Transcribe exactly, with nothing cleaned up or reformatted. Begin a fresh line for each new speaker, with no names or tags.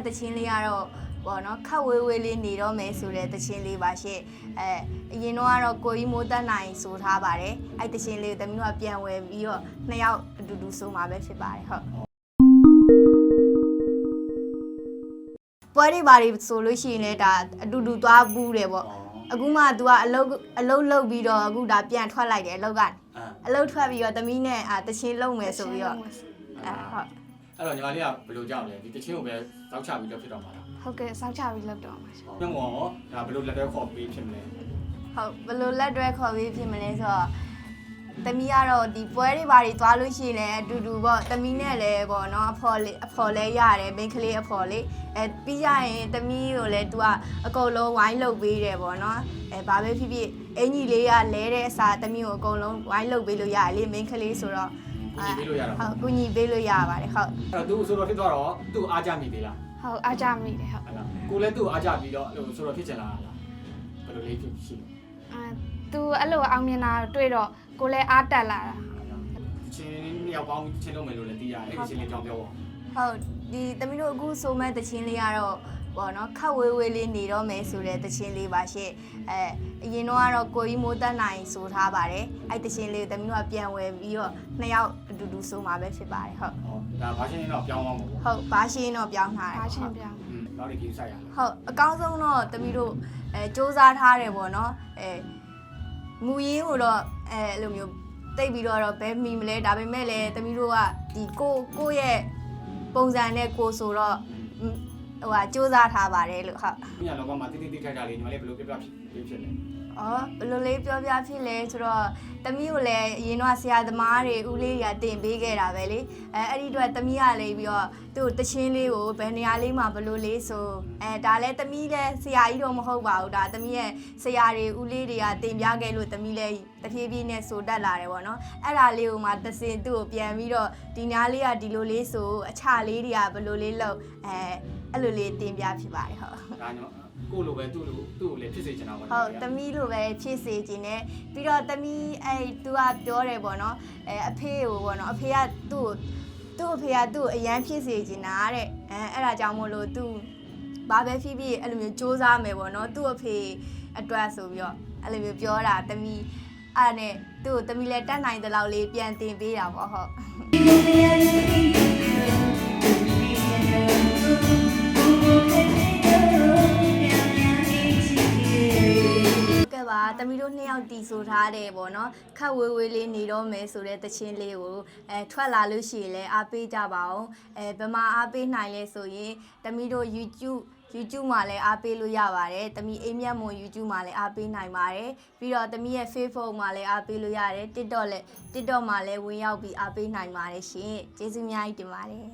တချင်းလေးကတော့ပေါ့နော်ခက်ဝေးဝေးလေးနေတော့မယ်ဆိုတဲ့တချင်းလေးပါရှင့်အဲအရင်တော့ကတော့ကိုကြီးမိုးတက်နိုင်ဆိုထားပါတယ်အဲ့တချင်းလေးကိုတမီးတို့ကပြန်ဝယ်ပြီးတော့နှစ်ယောက်အတူတူဆိုမှာပဲဖြစ်ပါတယ်ဟုတ်ပွဲတွေပါတွေဆိုလို့ရှိရင်လည်းဒါအတူတူသွားဘူးတယ်ပေါ့အခုမှ तू ကအလုတ်အလုတ်လုတ်ပြီးတော့အခုဒါပြန်ထွက်လိုက်တယ်အလုတ်ကအလုတ်ထွက်ပြီးတော့တမီးနဲ့အာတချင်းလုံမယ်ဆိုပြီးတော့အဲဟုတ်
အဲ့တော့ညီမလေးကဘယ်လိုကြောက်လဲဒီတချင်းကိုပဲတောက်ချပြီးတော့ဖြစ်တော့မှာလား
ဟုတ်ကဲ့စောက်ချပြီးလောက်တော့မှာရှင်
ညမောဒါဘယ်လိုလက်တွဲခေါ်ပြီးဖြစ်မလဲ
ဟုတ်ဘယ်လိုလက်တွဲခေါ်ပြီးဖြစ်မလဲဆိုတော့တမီးကတော့ဒီပွဲတွေဘာတွေသွားလို့ရှိရင်လည်းအတူတူပေါ့တမီးနဲ့လည်းပေါ့နော်အဖော်လေးအဖော်လဲရတယ်မိန်းကလေးအဖော်လေးအဲပြီးရရင်တမီးကိုလည်း तू ကအကုန်လုံးဝိုင်းလုပ်ပေးတယ်ပေါ့နော်အဲဘာပဲဖြစ်ဖြစ်အင်ကြီးလေးကလဲတဲ့အစားတမီးကိုအကုန်လုံးဝိုင်းလုပ်ပေးလို့ရတယ်လေမိန်းကလေးဆိုတော့
ကူညီပေးလို့ရတာ
ဟုတ်ကူညီပေးလို့ရပါတယ်ဟုတ်
အဲ့တော့ तू ဆိုတော့ဖြစ်သွားတော့ तू အားကြမိသေးလား
ဟုတ်အားကြမိတယ်ဟုတ်
ဟုတ်လားကိုလည်း तू အားကြပြီးတော့ဆိုတော့ဖြစ်ချင်လာလားဘယ်လိုလေးဖြစ်ရှိလဲ
အဲ तू အဲ့လိုအောင်မြင်တာတွေ့တော့ကိုလည်းအားတက်လာတာ
ချင်းနှစ်ယောက်ပေါင်းချင်းလုံးမယ်လို့လည်းသိရတယ်အဲ့ဒီချင်းလေးကြောင်းပြောပါ
ဟုတ်ဒီတမီးတို့အခုဆိုမဲ့တချင်းလေးကတော့ပေါ့နော်ခက်ဝေးဝေးလေးနေတော့မယ်ဆိုတဲ့တချင်းလေးပါရှင့်အဲအရင်တော့ကတော့ကိုကြီးမိုးတက်နိုင်ဆိုထားပါတယ်အဲ့တချင်းလေးကိုတမီးတို့ကပြန်ဝယ်ပြီးတော့နှစ်ယောက်အတူတူဆိုမှာပဲဖြစ်ပါတယ်ဟုတ်
ဒါဘာရှင်းတော့ပြောင်းသွားမှာပေါ့
ဟုတ်ဘာရှင်းတော့ပြောင်းထားတယ်
ဘာရှင်းပြောင်း
နောက်တစ်ခါစိုက်ရ
ဟုတ်အကောင်းဆုံးတော့တမီးတို့အဲစူးစမ်းထားတယ်ပေါ့နော်အဲမူရင်းကိုတော့အဲအဲ့လိုမျိုးတိတ်ပြီးတော့ဘယ်မိမလဲဒါပေမဲ့လည်းတမီးတို့ကဒီကိုကိုရဲ့ပုံစံနဲ့ကိုဆိုတော့ဟိုဟာစူးစမ်းထားပါတယ်လို့ဟုတ်
။ညလောကမှာတိတိတိထိုက်တာလေးညီမလေးဘယ်လိုပြပြဖြစ်ဖြစ်လဲ
။အော်ဘယ်လိုလေးပြောပြဖြစ်လဲဆိုတော့တမီးကိုလည်းအရင်တော့ဆရာသမားတွေဦးလေးတွေကတင်ပေးခဲ့တာပဲလေ။အဲအဲ့ဒီတော့တမီးကလေးပြီးတော့သူ့တချင်းလေးကိုဘယ်နေရာလေးမှာဘယ်လိုလေးဆိုအဲဒါလည်းတမီးလည်းဆရာကြီးတော့မဟုတ်ပါဘူးဒါတမီးရဲ့ဆရာတွေဦးလေးတွေကတင်ပြခဲ့လို့တမီးလည်းတဖြည်းဖြည်းနဲ့ဆိုတတ်လာတယ်ပေါ့နော်။အဲ့ဒါလေးကိုမှတစင်သူ့ကိုပြန်ပြီးတော့ဒီနားလေးကဒီလိုလေးဆိုအချလေးတွေကဘယ်လိုလေးလောက်အဲအဲ့လိုလေးတင်ပြဖြစ်ပါတယ်ဟုတ်
ဒါညကိုလိုပဲသူ့လိုသူ့ကိုလည်းဖြစ်စေချင်တာပါ
ဟုတ်တမီးလိုပဲဖြစ်စေချင်တယ်ပြီးတော့တမီးအဲသူကပြောတယ်ပေါ့နော်အဲအဖေကိုပေါ့နော်အဖေကသူ့သူ့အဖေကသူ့အရန်ဖြစ်စေချင်တာတဲ့အဲအဲ့ဒါကြောင့်မို့လို့သူဘာပဲဖြစ်ဖြစ်အဲ့လိုမျိုးစူးစမ်းမယ်ပေါ့နော်သူ့အဖေအတွက်ဆိုပြီးတော့အဲ့လိုမျိုးပြောတာတမီးအဲ့နဲ့သူ့တမီးလည်းတတ်နိုင်တဲ့လောက်လေးပြန်တင်ပေးတာပေါ့ဟုတ်ပါတမီးတို့နှစ်ယောက်တီဆိုထားတယ်ပေါ့နော်ခက်ဝေးဝေးလေးနေတော့မယ်ဆိုတဲ့တချင်းလေးကိုအဲထွက်လာလို့ရှိရင်လည်းအားပေးကြပါအောင်အဲဘယ်မှာအားပေးနိုင်လဲဆိုရင်တမီးတို့ YouTube YouTube မှာလည်းအားပေးလို့ရပါတယ်တမီးအိမ်မြတ်မွန် YouTube မှာလည်းအားပေးနိုင်ပါတယ်ပြီးတော့တမီးရဲ့ Facebook မှာလည်းအားပေးလို့ရတယ် TikTok လည်း TikTok မှာလည်းဝင်ရောက်ပြီးအားပေးနိုင်ပါတယ်ရှင်ကျေးဇူးအများကြီးတင်ပါတယ်